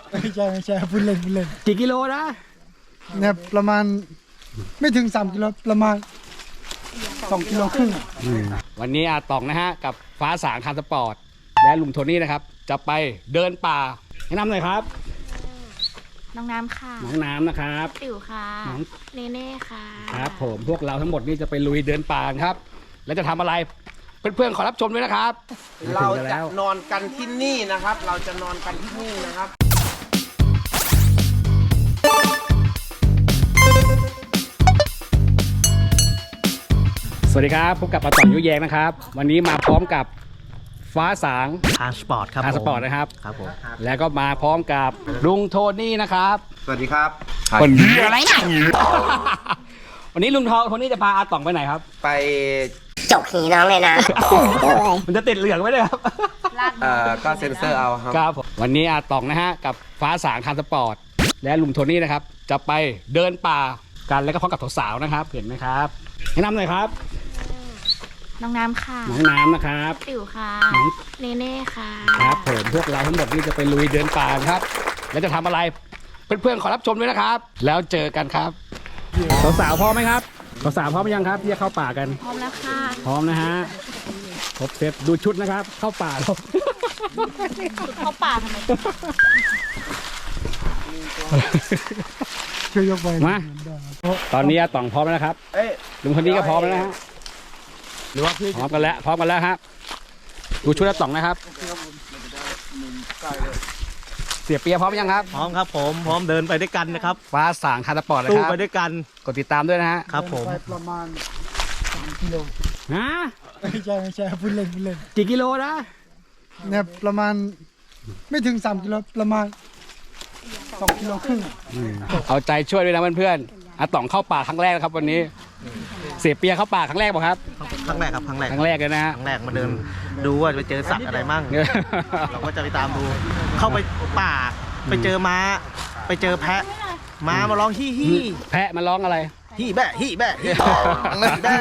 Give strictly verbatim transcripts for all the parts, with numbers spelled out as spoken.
ไม่ใช่ไม่ใช่พูดเล่นพูดเล่นกี่กิโลนะเนี่ยประมาณไม่ถึงสามกิโลประมาณสองกิโลครึ่งวันนี้อาตองนะฮะกับฟ้าสางคาร์สปอร์ตและลุงโทนี่นะครับจะไปเดินป่าแนะนำหน่อยครับน้องน้ำค่ะน้องน้ำนะครับติ๋วค่ะน้องเนเน่ค่ะครับผมพวกเราทั้งหมดนี่จะไปลุยเดินป่าครับ แล้วจะทำอะไรเพื่อนๆขอรับชมด้วยนะครับเราจะนอนกันที่นี่นะครับ เราจะนอนกันที่นี่นะครับสวัสดีครับพบกับอาตองยุแยงนะครับ วันนี้มาพร้อมกับฟ้าสางทางสปอร์ตครับคาร์สปอร์ตนะครับครับผมแล้วก็มาพร้อมกับลุงโทนี่นะครับสวัสดีครับคนนี้อะไรนะวันนี้ลุงโทโทนี่จะพาอาตองไปไหนครับไปจกหีน้องเลยนะมันจะติดเหลืองไว้เลยครับเอ่อก็เซ็นเซอร์เอาครับครับผมวันนี้อาตองนะฮะกับฟ้าสางคาร์สปอร์ตและลุงโทนี่นะครับจะไปเดินป่ากันแล้วก็พร้อมกับสาวๆนะครับเห็นไหมครับแนะนำหน่อยครับน้องน้ำค่ะน้องน้ำนะครับติ๋วค่ะน้องเนเน่ค่ะครับผมพวกเราทั้งหมดนี่จะไปลุยเดินป่าครับ แล้วจะทำอะไรเพื่อนๆขอรับชมด้วยนะครับ แล้วเจอกันครับสาวๆพร้อมไหมครับสาวๆพร้อมหรือยังครับที่จะเข้าป่ากันพร้อมแล้วค่ะพร้อมนะฮะครบเซตดูชุดนะครับ เข้าป่าแล้วสุดเข้าป่าทำไมช่วยยกไปมาตอนนี้อาตองพร้อมแล้วนะครับเอ้ยลุงคนนี้ก็พร้อมแล้วนะฮะหรือว่าพี่พร้อมกันแล้วพร้อมกันแล้วครับดูชุดอาตองนะครับ เสียเปียพร้อมยังครับพร้อมครับผมพร้อมเดินไปด้วยกันนะครับฟ้าสางคาร์สปอร์ตนะสู้ครับไปด้วยกันกดติดตามด้วยนะฮะครับผมไปประมาณสามกิโลฮะไม่ใช่ไม่ใช่พูดเล่นพูดเล่นกี่กิโลนะเนี่ยประมาณไม่ถึงสามกิโลประมาณสองกิโลครึ่งเอาใจช่วยด้วยนะเพื่อนๆอาตองเข้าป่าครั้งแรกนะครับ วันนี้ เสียเปียเข้าป่าครั้งแรกป่ะครับครั้งแรกครับครั้งแรกครั้งแรกเลยนะฮะครั้งแรกมาเดินดูว่าไปเจอสัตว์อะไรมั่งเราก็จะไปตามดู เข้าไปป่าไปเจอม้า ไปเจอแพะม้ามาร้องฮี่ฮี่แพะมาร้องอะไรฮี่แบะฮี่แบะฮี่แบะ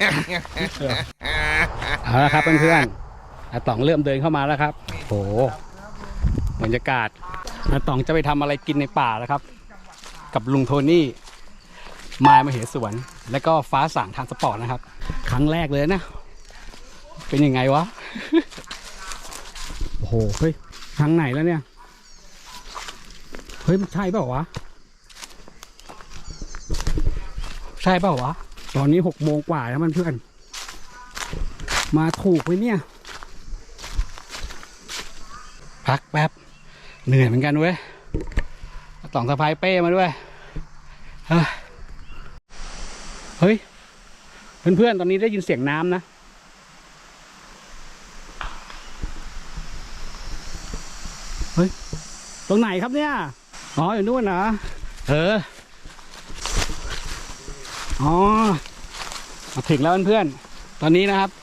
เอาละครับเพื่อนๆอาตองเริ่มเดินเข้ามาแล้วครับโหบรรยากาศอาตองจะไปทำอะไรกินในป่าแล้วครับ กับลุงโทนี่มายมาเหสวน แล้วก็ฟ้าสางทางสปอร์ตนะครับ ครั้งแรกเลยนะ เป็นยังไงวะ โอ้โหเฮ้ยทางไหนแล้วเนี่ยเฮ้ยมันใช่เปล่าวะใช่เปล่าวะตอนนี้หกโมงกว่าแล้วมันเพื่อนมาถูกไหมเนี่ยพักแป๊บเหนื่อยเหมือนกันเว้ยต่องสะพายเป้มาด้วยเฮ้ยเพื่อนๆตอนนี้ได้ยินเสียงน้ำนะเฮ้ยตรงไหนครับเนี่ยอ๋ออยู่นู่นนะเอออ๋อมาถึงแล้วเพื่อนๆตอนนี้นะครับ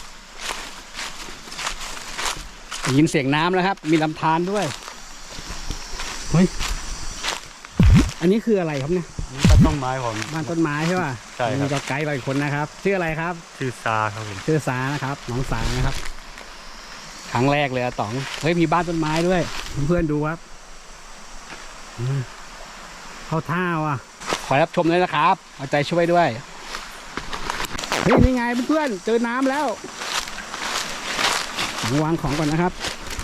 ได้ยินเสียงน้ำแล้วครับมีลำธารด้วยเฮ้ยอันนี้คืออะไรครับเนี่ยบ้านต้นไม้ผมบ้านต้นไม้ใช่ป่ะใช่ครับมีก็ไกด์ไปอีกคนนะครับชื่ออะไรครับชื่อซาครับผมชื่อสานะครับน้องสานะครับครั้งแรกเลยอะต๋องเฮ้ยมีบ้านต้นไม้ด้วยเพื่อนๆดูครับอืมเข้าท่าว่ะขอรับชมเลยนะครับเอาใจช่วยด้วยเฮ้ยนี่ไงเพื่อนๆเจอน้ำแล้ววางของก่อนนะครับ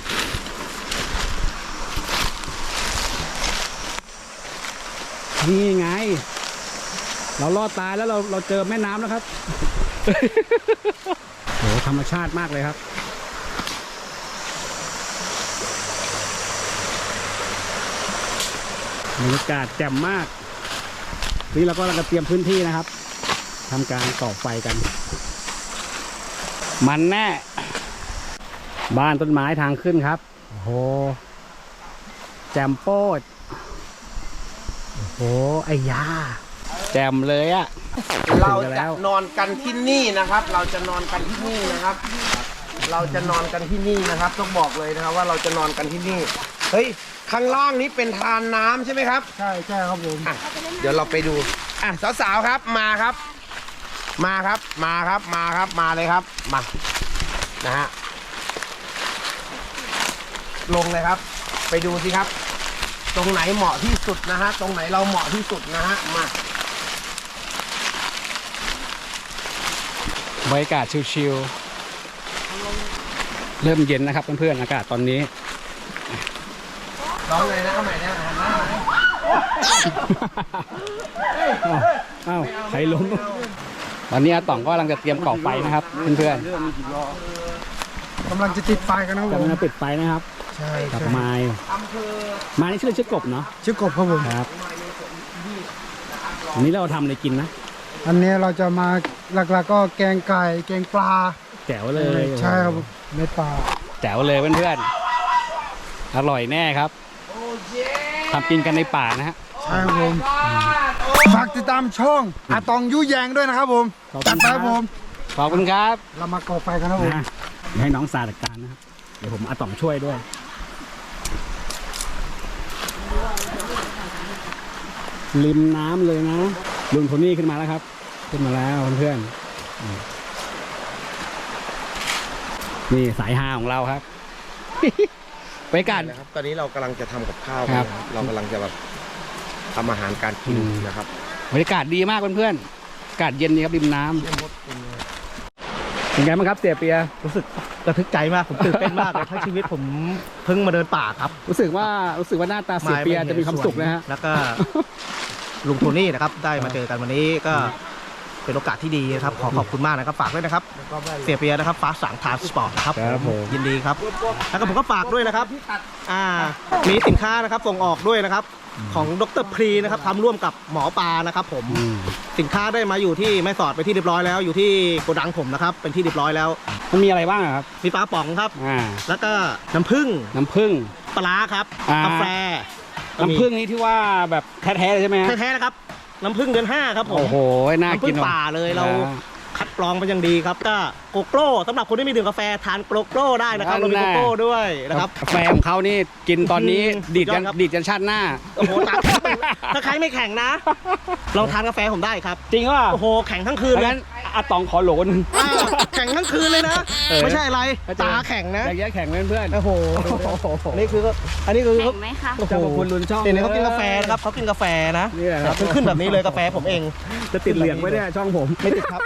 นี่ไงเราลอดตายแล้วเราเราเจอแม่น้ำแล้วครับ โหธรรมชาติมากเลยครับบรรยากาศแจ่มมากนี่เราก็กำลังเตรียมพื้นที่นะครับทำการก่อไฟกัน มันแน่บ้านต้นไม้ทางขึ้นครับโอ้โหแจ่มโป๊ดโอ้โหไอ้ยาแจ่มเลยอะเราจะนอนกันที่นี่นะครับ เราจะนอนกันที่นี่นะครับ เราจะนอนกันที่นี่นะครับ ต้องบอกเลยนะครับว่าเราจะนอนกันที่นี่ เฮ้ย ข้างล่างนี้เป็นทานน้ำใช่ไหมครับใช่ใช่ครับผมอ่ะเดี๋ยวเราไปดู อ่ะสาวๆครับ มาครับ มาครับ มาครับ มาครับ มาเลยครับ มา นะฮะ ลงเลยครับ ไปดูสิครับตรงไหนเหมาะที่สุดนะฮะตรงไหนเราเหมาะที่สุดนะฮะมาบรรยากาศชิลๆเริ่มเย็นนะครับเพื่อนๆอากาศตอนนี้ร้องเลยนะเอาใหม่นะหันหน้าอ้าวใครล้มตอนนี้อาต่องก็กำลังจะเตรียมก่อไฟนะครับเพื่อนกำลังจะติดไฟกันนะๆผกำมลังจะปิดไฟนะครับใช่กับใช่ไม้ไม้นี่ชื่อชื่อกบเนาะชื่อกบครับผมครับอันนี้เราทำอะไรกินนะอันนี้เราจะมาหลักๆก็แกงไก่แกงปลาแจ๋วเลยใช่ครับผมเม็ดปลาแจ๋วเลยเพื่อนๆอร่อยแน่ครับทำกินกันในป่านะฮะใช่ครับผมฝากติดตามช่องอาตองยุแยงด้วยนะครับผมขอบคุณจัดไปคครัรับ บผมขอบคุณครับเรามาก่อไฟกันครับผมนะเดี๋ยวให้น้องซาจัดการนะครับเดี๋ยวผมอาต่องช่วยด้วยริมน้ำเลยนะลุงโทนี่ขึ้นมาแล้วครับ ขึ้นมาแล้วเพื่อนๆนี่สายฮาของเราครับ ไปกันนะครับตอนนี้เรากำลังจะทำกับข้าวครับกันนะครับเรากำลังจะแบบทำอาหารการกินอืมนะครับบรรยากาศดีมากเพื่อนๆอากาศเย็นดีครับริมน้ำเป็นไงบ้างครับเสียเปียรู้สึกระทึกใจมาก ผมตื่นเต้นมากเลยทั้งชีวิตผมเพิ่งมาเดินป่าครับรู้สึกว่ารู้สึกว่าหน้าตาเสียเปียจะมีความสุขนะฮะแล้วก็ ลุงโทนี่นะครับ ได้มาเจอกันวันนี้ก็เป็นโอกาสที่ดีนะครับ ขอขอบคุณมากนะครับ ฝากด้วยนะครับ เสียเปียนะครับ ฟ้าสังทานสปอร์ตนะครับครับผมยินดีครับ แล้วก็ผมก็ฝากด้วยนะครับ อ่า มีสินค้านะครับส่งออกด้วยนะครับ ของดรพรีนะครับทำร่วมกับหมอปลานะครับ ผมอืมสินค้าได้มาอยู่ที่แม่สอดไปที่เรียบร้อยแล้ว อยู่ที่โกดังผมนะครับ เป็นที่เรียบร้อยแล้วมันมีอะไรบ้างอะครับมีปลาป๋องครับอ่าแล้วก็น้ำผึ้งน้ำผึ้งปลาร้าครับอ่ากกาแฟน้ำผึ้งนี้ที่ว่าแบบแท้ๆเลยใช่ไหมฮะแท้ๆนะครับ น้ำผึ้งเดือนห้าครับผมโอ้โหน่าน้ำผึ้กินงว่ะป่าเลยเราอ่คัดกรองเป็นอย่างดีครับ ก็โกโก้สำหรับคนที่ไม่ดื่มกาแฟทานโกโก้ได้นะครับเรามีโกโก้ด้วยนะครับกาแฟของเขานี่กินตอนนี้อืมดีดกันสุดยอดครับดีดกันชาติหน้าโอ้โหตาถ้าใครไม่แข็งนะลองทานกาแฟผมได้ครับจริงว่าโอ้โหแข็งทั้งคืนดังเลยนั้นอาตองขอโหลนึงอ่าแข็งทั้งคืนเลยนะเออไม่ใช่อะไรเข้าใจตาแข็งนะอย่างเงี้ยแข่งเพื่อนๆโอ้โหนี่คืออันนี้คือแข็งไหมคะโอ้โหเจ้าพระคุณลุนช่องเห็นไหมเขากินกาแฟนะครับเขากินกาแฟนะนี่แหละครับขึ้นแบบนี้เลยกาแฟผมเองจะติดเหลืองไว้เนี่ยช่องผมไม่ติดครับ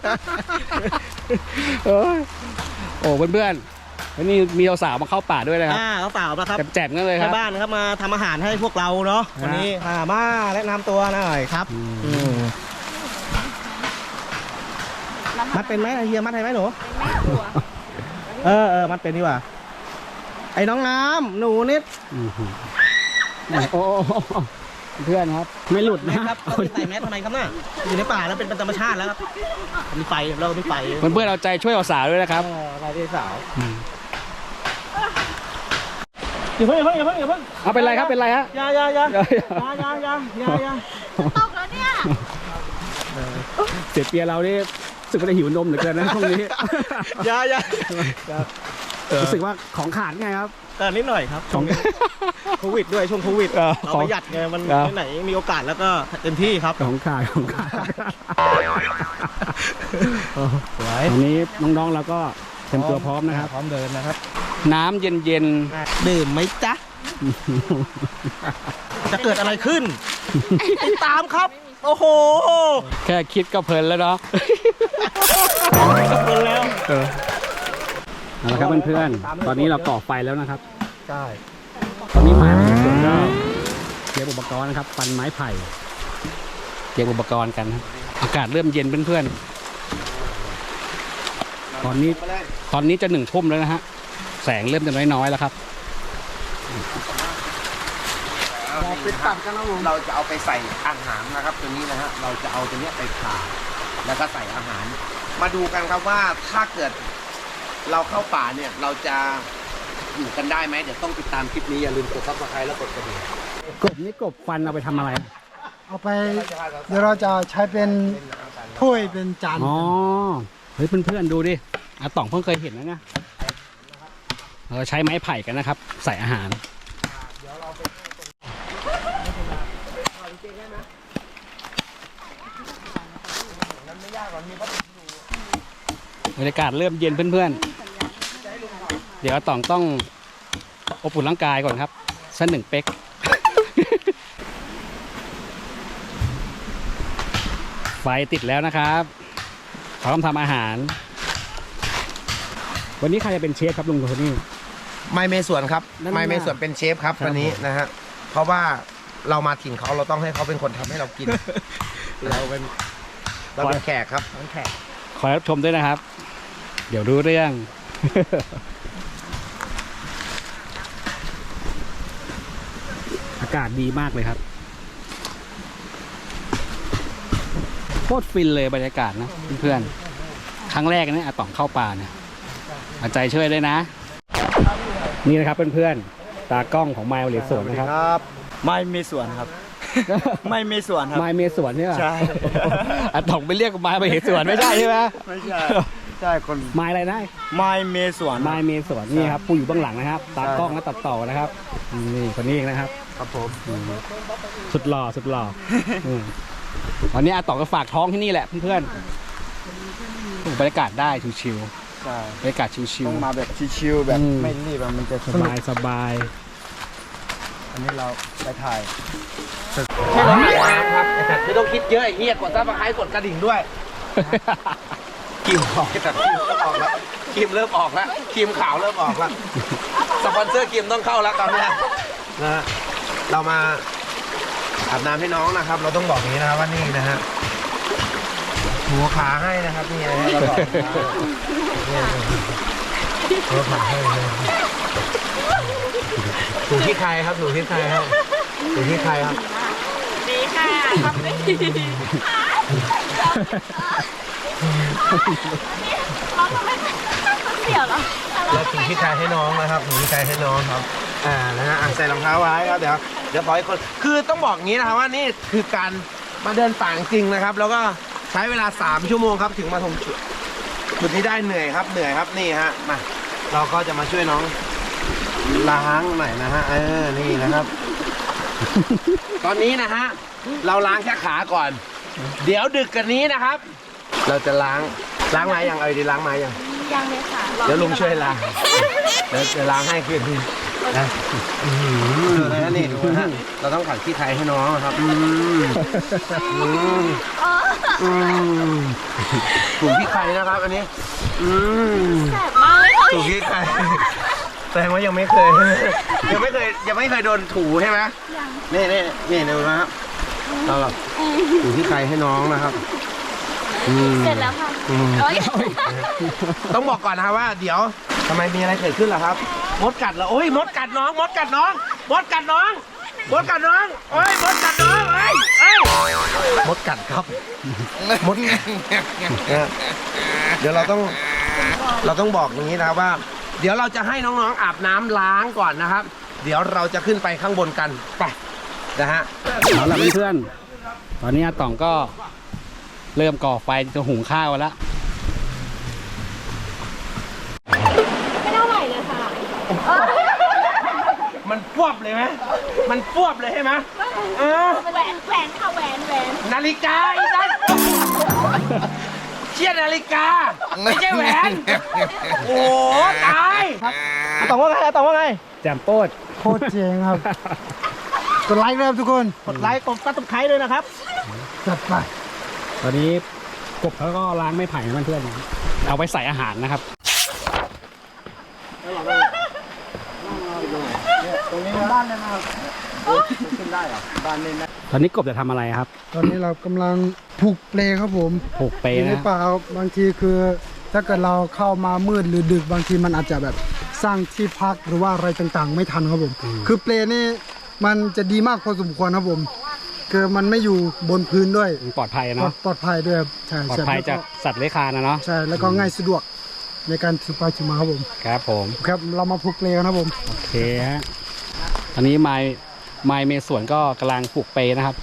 เออโอ้เพื่อนๆวันนี้มีสาวๆมาเข้าป่าด้วยนะครับอ่าเขาเปล่านะครับแจมๆกันเลยคแม่รับบ้านนะครับมาทำอาหารให้พวกเราเนาะวันนี้อ่ามาแนะนำตัวหน่อยครับอืมอืมมัดเป็นไหมเฮียมัดให้ไหมหนูเออเออมัดเป็นดีกว่าไอ้น้องน้ำหนูนิดอื้อหือโอ้โหเพื่อนครับ ไม่หลุดแมนะสครับเขาใส่แมสทำไมครับน่ะอยู่ในป่าแล้วเป็นธรรมชาติแล้วครับมีไฟเรามีไฟเพื่อนๆเอาใจช่วยสาวๆด้วยนะครับเออไฟที่สาวมอย่าเพิ่งอย่าเพิ่งอย่าเพิ่งอย่าเพิ่งเอาเป็นไรครับเป็นไรฮะอย่าอย่าอย่าอย่าอย่าอย่าอย่าอย่าตกแล้วเนี่ยเสียเปียเรานี่รู้สึกว่าจะหิวนมเหลือเกินนะช่วงนี้อย่าอย่ารู้สึกว่าของขาดไงครับก็นิดหน่อยครับของโควิดด้วยช่วงโควิดเออเราประหยัดไงมันครับที่ไหนมีโอกาสแล้วก็เต็มที่ครับของขาดของขาดสวยตอนนี้น้องๆเราก็เต็มตัวพร้อมนะครับพร้อมเดินนะครับน้ำเย็นดื่มไหมจ๊ะ จะเกิดอะไรขึ้น ติดตามครับ โอ้โหๆ แค่คิดก็เพลินแล้วเนาะเกินแล้วเออเอาละครับเพื่อนๆ ตอนนี้เราก่อไฟแล้วนะครับใช่ตอนนี้ไม้มันสวนก็เตรียมอุปกรณ์นะครับฟันไม้ไผ่เตรียมอุปกรณ์กันครับอากาศเริ่มเย็นเพื่อนๆ ตอนนี้ตอนนี้จะหนึ่งทุ่มแล้วนะฮะ แสงเริ่มจะน้อยๆแล้วครับเป็นตับกันนะเราจะเอาไปใส่อาหารนะครับตัวนี้นะฮะเราจะเอาตัวเนี้ยไปผ่าแล้วก็ใส่อาหาร มาดูกันครับว่าถ้าเกิดเราเข้าป่าเนี่ยเราจะอยู่กันได้ไหมเดี๋ยวต้องติดตามคลิปนี้อย่าลืมกดซับสไครต์แล้วกดกระดิ่งกบนี่กบฟันเอาไปทำอะไรเอาไปเดี๋ยวเราจะใช้เป็นถ้วยเป็นจานอ๋อ เฮ้ยเพื่อนๆดูดิอาต่องเพิ่งเคยเห็นนะเนี่ยเราใช้ไม้ไผ่กันนะครับ ใส่อาหาร บรรยากาศเริ่มเย็นเพื่อนๆ เดี๋ยวอาต่องต้องอบอุ่นร่างกายก่อนครับสักหนึ่งเป๊กไฟติดแล้วนะครับพร้อมทำอาหาร วันนี้ใครจะเป็นเชฟครับลุงโทนี่ไม่เมส่วนครับนั่นไม่เมน่ะส่วนเป็นเชฟครับครับวันนี้นะฮะเพราะว่าเรามาถิ่นเขาเราต้องให้เขาเป็นคนทำให้เรากิน เราเป็นเราเป็นแขกครับเป็นแขกคอยรับชมด้วยนะครับ เดี๋ยวรู้เรื่อง อากาศดีมากเลยครับโคตรฟินเลยบรรยากาศนะเพื่อนๆครั้งแรกเนี่ยอาต่องเข้าป่าเนี่ยเอาใจช่วยด้วยนะ นี่นะครับเพื่อนๆตากล้องของไมล์เหลียสวนนะครับครับ ไม่มีส่วนครับ ไม่มีส่วนครับไมล์เมสวนใช่ไหมใช่อาต่องไปเรียกไมล์ไปเหสวนไม่ใช่ใช่ไหมไม่ใช่ ใช่คนไมล์อะไรนะไม่มีส่วนไมล์เมสวนนี่ครับผู้อยู่เบื้องหลังนะครับ ตากล้องและตัดต่อนะครับนี่คนนี้เองนะครับครับผมสุดหล่อสุดหล่ออืมวันนี้อาต่องก็ฝากท้องที่นี่แหละเพื่อนๆบรรยากาศได้ชิวใช่ๆบรรยากาศชิวต้องมาแบบชิวๆแบบอืมไม่รีบอะมันจะๆสสนุกบายสบายอันนี้เราไปถ่ายใช่เราถ่ายน้ำครับไอ้สัตว์ไม่ต้องคิดเยอะไอ้เหี้ยกดซับสไครต์กดกระดิ่งด้วยครีมออกไอ้สัตว์ครีมเริ่มออกแล้วครีมเริ่มออกแล้วครีมขาวเริ่มออกแล้วสปอนเซอร์ครีมต้องเข้าแล้วตอนเนี้ยนะฮะเรามาอาบน้ำให้น้องนะครับ เราต้องบอกอย่างนี้นะครับว่านี่นะฮะหัวขาให้นะครับนี่นะฮะเราบอกหัวขาให้เลยถูกที่ใครครับถูกที่ใครครับถูกที่ใครครับดีค่ะทำได้ดีเราทำไมเสี่ยวเหรอแล้วถุงที่ใครให้น้องนะครับถุงที่ใครให้น้องครับ อ่า นะฮะอ่ะใส่รองเท้าไว้ครับ เดี๋ยว เดี๋ยวขอให้คน คือต้องบอกงี้นะครับว่านี่คือการมาเดินป่าจริงนะครับ แล้วก็ใช้เวลาสามชั่วโมงครับถึงมาถึงจุดจุดนี้ได้เหนื่อยครับ เหนื่อยครับ นี่ฮะ มา เราก็จะมาช่วยน้องล้างหน่อยนะฮะ เออ นี่นะครับ ตอนนี้นะฮะ เราล้างแค่ขาก่อน เดี๋ยวดึกกันนี้นะครับ เราจะล้าง ล้างไม้ยังเอาดีล้างไม้ยังยังเลยค่ะเดี๋ยวลุงช่วยล้าง เดี๋ยวจะล้างให้คืนนะอื้อหือดูนะนี่ดูนะฮะเราต้องขัดขี้ไทยให้น้องนะครับอืมอืมอืมถูกขี้ไทยนะครับ อันนี้อืมแสบมากเลยค่ะถูกขี้ไทยแสดงว่ายังไม่เคย ยังไม่เคยยังไม่เคยโดนถูใช่ไหมนี่นี่นี่ดูนะครับเราแบบถูกขี้ไทยให้น้องนะครับอืมเสร็จแล้วค่ะอืมโอ๊ยต้องบอกก่อนนะครับว่าเดี๋ยวทำไมมีอะไรเกิดขึ้นล่ะครับ มดกัดเหรอโอ้ยมดกัดน้อง มดกัดน้อง มดกัดน้อง มดกัดน้องโอ้ยมดกัดน้องเอ้ยเอ้ยมดกัดครับมดกัดเนี่ยเดี๋ยวเราต้องเราต้องบอกอย่างนี้นะครับว่า เดี๋ยวเราจะให้น้องๆอาบน้ำล้างก่อนนะครับ เดี๋ยวเราจะขึ้นไปข้างบนกันไปนะฮะเอาล่ะเพื่อนๆตอนนี้อาต่องก็เริ่มก่อไฟจะหุงข้าวแล้วไม่เท่าไหร่เลยค่ะมันฟวบเลยไหมมันฟวบเลยใช่ไหมเออแหวนแหวนค่ะแหวนแหวนนาฬิกาอีนั่นเชี่ยนาฬิกา ไม่ใช่แหวน โอ้ตายอาต๋องว่าไงอาต๋องว่าไงแจมโป้ดโคตรเจ๋งครับ กดไลค์เลยครับทุกคนกดไลค์กดซับสไครต์ด้วยนะครับจัดไปตอนนี้กบเขาก็ล้างไม้ไผ่นะเพื่อนๆเอาไว้ใส่อาหารนะครับตรงนี้บ้านเลยนะครับขึ้นได้เหรอ บ้านนี่นะตอนนี้กบจะทำอะไรครับตอนนี้เรากำลังผูกเปลครับผมผูกเปอยู่ในนะป่าครับบางทีคือถ้าเกิดเราเข้ามามืดหรือดึกบางทีมันอาจจะแบบสร้างที่พักหรือว่าอะไรต่างๆ ไม่ทันครับผม คือเปลนี่มันจะดีมากพอสมควรครับผม คือมันไม่อยู่บนพื้นด้วยปลอดภัยปลอเนาะดปลอดภัยด้วยครับใช่ปลอดใช่ภัยแล้วจากก็สัตว์เลื้อยคลานนะเนาะใช่แล้วก็ง่ายสะดวกในการถือไปถือมาครับผมครับผมครับเรามาผูกเปลกันครับผมโอเคฮะตอนนี้ไมล์ไมล์เมสวนก็กำลังปลูกเปนะครับ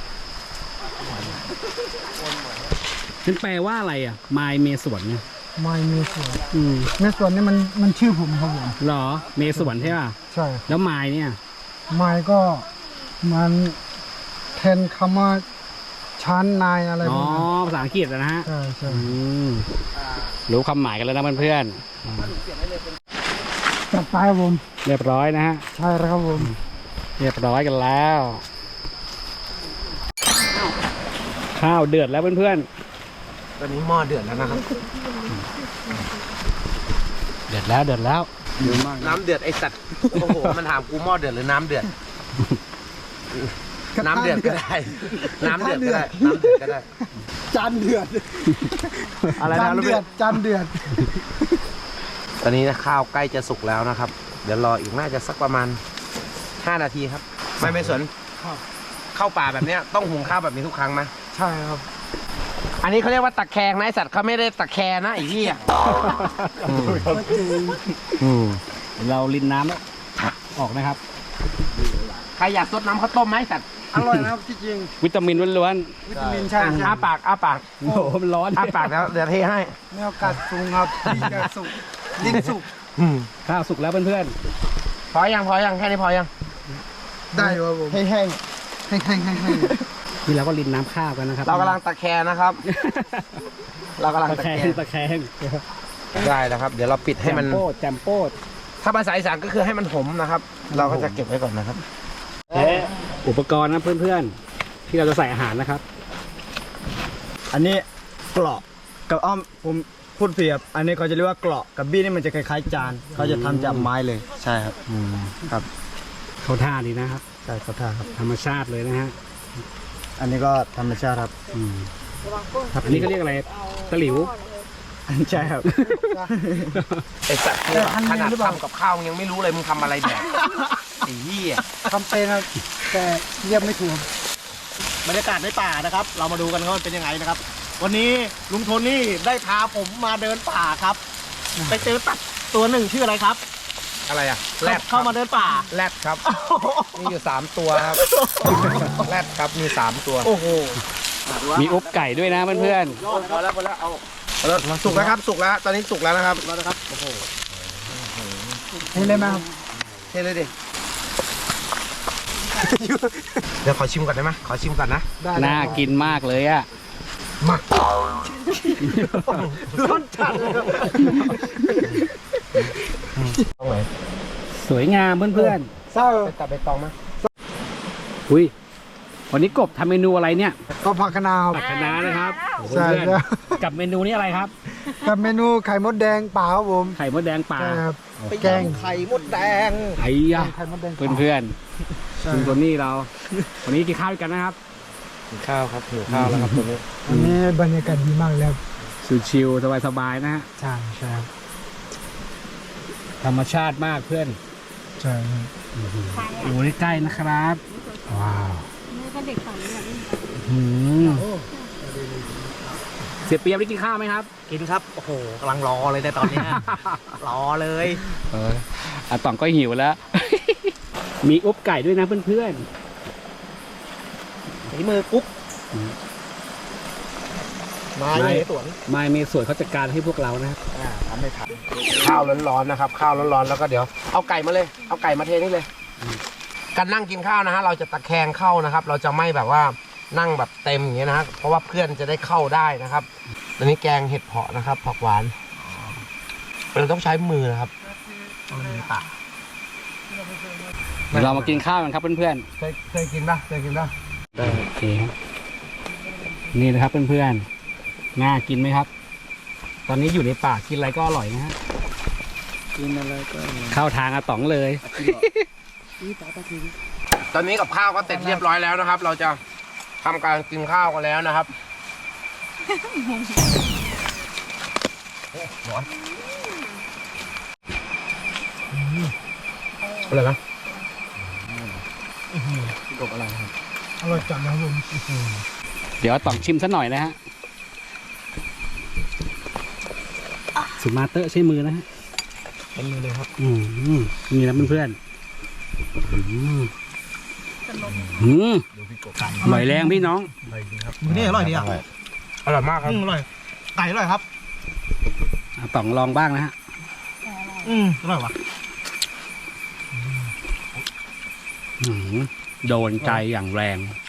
นั่นแปลว่าอะไรอ่ะไมล์เมสวนเนี่ยไม้เมสวนอืมเมสวนนี่มันมันชื่อผมครับผมเหรอเมสวนใช่ป่ะใช่แล้วไมล์เนี่ยไม้ก็มันแทนคำว่าชั้นนายอะไรพอ๋วอกนั้นภาษาอังกฤษนะฮะใช่ใช่อืมรู้คำหมายกันแล้วนะเพื่อนจัดไปครับผมๆเรียบร้อยนะฮะใช่แล้วครับผมเรียบร้อยกันแล้ว ขข้าวเดือดแล้วเพื่อนตอนนี้หม้อเดือดแล้วนะครับๆเดือดแล้วเดือดแล้วน้ำเดือดไอสัตว์โอ้โหมันถามกูหม้อเดือดหรือน้ำเดือด น้ำเดือดก็ได้ น้ำเดือดก็ได้ น้ำเดือดก็ได้จานเดือดอะไรจานะนลูกเดืเบี้อย ดจานเดือดตอนนี้นะข้าวใกล้จะสุกแล้วนะครับ เดี๋ยวรออีกน่าจะสักประมาณห้านาทีครับ ไม่ไม่สนข้าวป่าแบบเนี้ยต้องหุงข้าวแบบนี้ทุกครั้งไหมใช่ครับอันนี้เขาเรียกว่าตะแคงนะไอสัตว์เขาไม่ได้ตะแคงนะไอ้เหี้ยอืมเราลินน้ำแล้วออกนะครับใครอยากซดน้ำข้าวต้มไหมไอ้สัตว์อร่อยนะครับที่จริงวิตามินล้วนวิตามินใช่อ่ะใช่อ้าปากอ้าปากๆโอ้โหมันร้อนอ้าปากแล้วเดี๋ยวเทให้มีโอกาสสูงครับลิ้นจะสุกลิ้นสุกข้าวสุกแล้วเพื่อนพอยังพอยังแค่นี้พอยังได้ครับผมแห้งแห้งแห้งแห้งแห้งแห้งๆนี่เราก็ลินน้ำข้าวกันนะครับเรากำลังตะแคงนะครับ เรากำลังตะตะแคแคงงตะแคงได้แล้วครับ เดี๋ยวเราปิดให้มันแจมโป้แจมโป้ถ้าภาษาอีสานก็คือให้มันหอมนะครับ เราก็จะเก็บไว้ก่อนนะครับและอุปกรณ์นะเพื่อนๆ ที่เราจะใส่อาหารนะครับอันนี้เกราะกับอ้อมผมพูดเปรียบ อันนี้เขาจะเรียกว่าเกราะกับบี้นี่มันจะคล้ายๆจานเขาจะทำจากไม้เลยใช่ครับครับเขาท่าดีนะครับใช่เขาท่าครับธรรมชาติเลยนะฮะอันนี้ก็ธรรมชาติครับอืมอันนี้ก็เรียกอะไรตะหลิวใช่ครับไอสัตว์เนี่ยขนาดทำกับข้าวมึงยังไม่รู้เลยมึงทำอะไรแบบไอ้เหี้ยทำเป็นครับแต่เรียบไม่ถูกบรรยากาศในป่านะครับ เรามาดูกันว่ามันเป็นยังไงนะครับ วันนี้ลุงโทนี่ได้พาผมมาเดินป่าครับ ไปเจอตัดตัวหนึ่งชื่ออะไรครับอะไรอะแรดเข้ามาเดินป่าแรดครับ มีอยู่สามตัวครับแรดครับมีสามตัวโอ้โหมีอบไก่ด้วยนะเพื่อนพอแล้วพอแล้วเอาสุกแล้วครับสุกแล้ว ตอนนี้สุกแล้วนะครับแล้วนะครับโอ้โหนี่เลยไหมครับเทเลยดิ เดี๋ยวขอชิมก่อนได้ไหมขอชิมก่อนนะได้ๆ น่ากินมากเลยอ่ะมาร้อนจัดเลยครับต้องไหนสวยงามเพื่อนเศร้าไปตัดใบตองไหมๆ อุ้ย วันนี้กบทำเมนูอะไรเนี่ยก็ผักคะนาวผักคะน้านะครับโอ้โหใช่เพื่อนใช่ๆกับเมนูนี้อะไรครับกับเมนูไข่มดแดงเปล่าครับผมไข่มดแดงป่าใช่ครับไปแกงไข่มดแดงไอ้ยะไข่มดแดงเพื่อนใช่ๆคุณโทนี่เรา วันนี้กินข้าวด้วยกันนะครับกินข้าวครับหิวข้าวแล้วครับตัวนี้อันนี้บรรยากาศดีมากเลยครับชิวๆสบายๆนะฮะใช่ใช่ครับธรรมชาติมากเพื่อนใช่ครับโอ้ใกล้ๆนะครับ ว้าวนี่ก็เด็กฝั่งนี้แบบนี้หืมเสียเปรียบได้กินข้าวไหมครับกินครับ โอ้โหกำลังรอเลยในตอนเนี้ย รอเลยเอออาต่องก็หิวแล้ว มีอบไก่ด้วยนะเพื่อนฝีมือกุ๊กมาไม่อยู่ในสวนๆไม่มีส่วนเขาจัดการให้พวกเรานะครับอ่าทำไม่ทันข้าวร้อนๆนะครับ ข้าวร้อนๆแล้วก็เดี๋ยวเอาไก่มาเลย เอาไก่มาเทนี่เลยการนั่งกินข้าวนะฮะเราจะตะแคงเข้านะครับ เราจะไม่แบบว่านั่งแบบเต็มอย่างเงี้ยนะฮะเพราะว่าเพื่อนจะได้เข้าได้นะครับตอนนี้แกงเห็ดเผาะนะครับผักหวานเราต้องใช้มือนะครับตักเดี๋ยวเรามากินข้าวกันครับเพื่อนเคยเคยกินป่ะเคยกินป่ะๆโอเคครับนี่นะครับเพื่อนๆง่ากินไหมครับ ตอนนี้อยู่ในป่ากินอะไรก็อร่อยนะฮะกินอะไรก็เข้าทางอาต๋องเลยตอนนี้กับข้าวก็เสร็จเรียบร้อยแล้วนะครับ เราจะทำการกินข้าวกันแล้วนะครับร้อนอะไรนะกบอะไรครับอร่อยจังนะครับผมเดี๋ยวอาต๋องชิมซะหน่อยนะฮะสุมาเตอร์ใช้มือนะฮะเป็นมือเลยครับอืมนี่นะเพื่อนๆอืมอืมอร่อยแรงพี่น้องมือนี่อร่อยดีอ่ะอร่อยมากครับอืมอร่อย ไก่อร่อยครับอาต๋องลองบ้างนะฮะอืมอร่อยว่ะอืมโดนใจอย่างแรง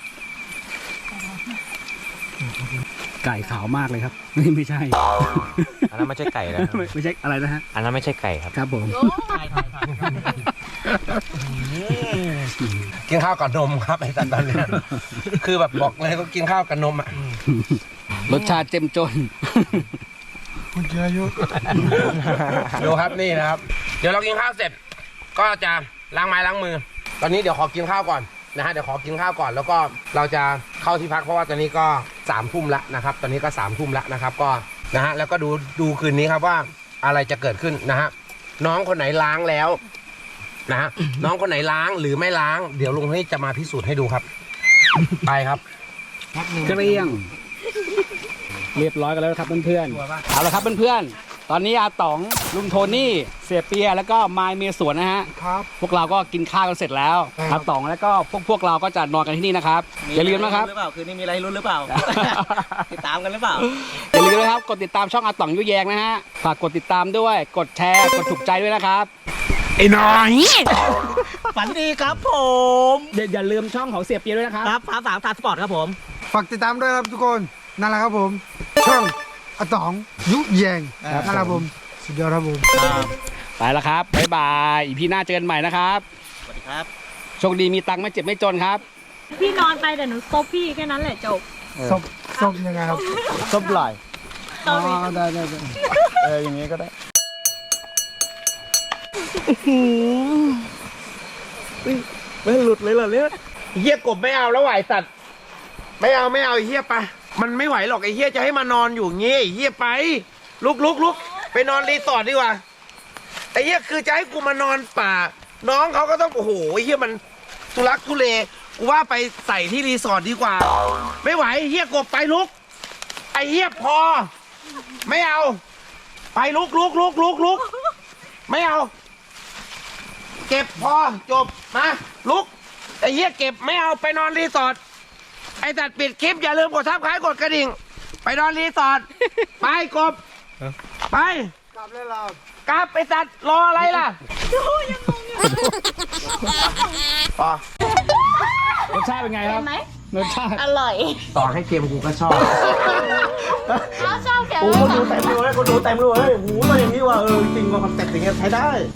ไก่ขาวมากเลยครับ ไม่ไม่ใช่อันนั้นไม่ใช่ไก่แล้วไม่ไม่ใช่อะไรนะฮะอันนั้นไม่ใช่ไก่ครับครับผมถ่ายถ่ายถ่ายกินข้าวกับนมครับไอ้สัตว์ตอนเนี้ยคือแบบบอกเลยต้องกินข้าวกับนมอ่ะรสชาติเจ้มจนคุณเจอายุดูครับนี่นะครับ เดี๋ยวเรากินข้าวเสร็จ ก็จะล้างไม้ล้างมือ ตอนนี้เดี๋ยวขอกินข้าวก่อนนะฮะเดี๋ยวขอกินข้าวก่อน แล้วก็เราจะเข้าที่พักเพราะว่าตอนนี้ก็สามทุ่มละนะครับ ตอนนี้ก็สามทุ่มละนะครับ ก็นะฮะแล้วก็ดูดูคืนนี้ครับว่าอะไรจะเกิดขึ้นนะฮะน้องคนไหนล้างแล้วนะฮะน้องคนไหนล้างหรือไม่ล้าง เดี๋ยวลุงให้จะมาพิสูจน์ให้ดูครับ ไปครับเกลี้ยง เรียบร้อยกันแล้วครับเพื่อนๆเอาละครับเพื่อนๆตอนนี้อาต๋องลุงโทนี่เสียเปียแล้วก็มายเมสวนนะฮะครับพวกเราก็กินข้าวกันเสร็จแล้วครับอาต๋องแล้วก็พวกพวกเราก็จะนอนกันที่นี่นะครับอย่าลืมนะครับหรือเปล่าคืนนี้มีอะไรลุ้นหรือเปล่า ติดตามกันหรือเปล่าอย่าลืมนะครับกดติดตามช่องอาต๋องยุแยงนะฮะฝากกดติดตามด้วย กดแชร์กดถูกใจด้วยนะครับไอ้น้อยฝันดีครับผมอย่าอย่าลืมช่องของเสียเปียด้วยนะครับครับฟ้าสามตาสปอร์ตครับผมฝากติดตามด้วยครับทุกคนนั่นแหละครับผม ช่องอาต๋องยุแยงนั่นแหละครับผมสุดยอดครับผมไปแล้วครับบ๊ายบายอีพีหน้าเจอกันใหม่นะครับสวัสดีครับโชคดีมีตังค์ไม่เจ็บไม่จนครับพี่นอนไปแต่หนูซบพี่แค่นั้นแหละจบซบซบยังไงครับซบไหลอ๋อได้ได้ได้เอออย่างนี้ก็ได้ ไม่หลุดเลยเหรอเนี่ยเฮียกบไม่เอาแล้วไหวสัตว์ไม่เอาไม่เอาไอ้เฮียไปมันไม่ไหวหรอกไอ้เฮียจะให้มานอนอยู่งี้ไอ้เฮียไปลุกลุกลุกไปนอนรีสอร์ทดีกว่าไอ้เฮียคือจะให้กูมานอนป่า น้องเขาก็ต้องโอ้โหไอ้เฮียมันทุลักทุเลกูว่าไปใส่ที่รีสอร์ทดีกว่า ไม่ไหวไอ้เฮียกบไปลุกไอ้เฮียพอ ไม่เอา ไปลุกลุกลุกลุกลุกไม่เอา เก็บพอจบมาลุกไอ้เหี้ยเก็บไม่เอาไปนอนรีสอร์ทไอ้ตัดปิดคลิปอย่าลืมกดทับคล้ายกดกระดิ่ง ไปนอนรีสอร์ทไปกบไปกลับเลยเรากลับไปตัดรออะไรล่ะพอรสชาติเป็นไงครับเห็นไหมรสชาติอร่อยต่อให้เกมกูก็ชอบเขาชอบแกโอ้คนดูเต็มเลยคนดูเต็มเลยโอ้โหมาอย่างนี้ว่ะเออจริงว่าคอนเซ็ปต์อย่างเงี้ยใช้ได้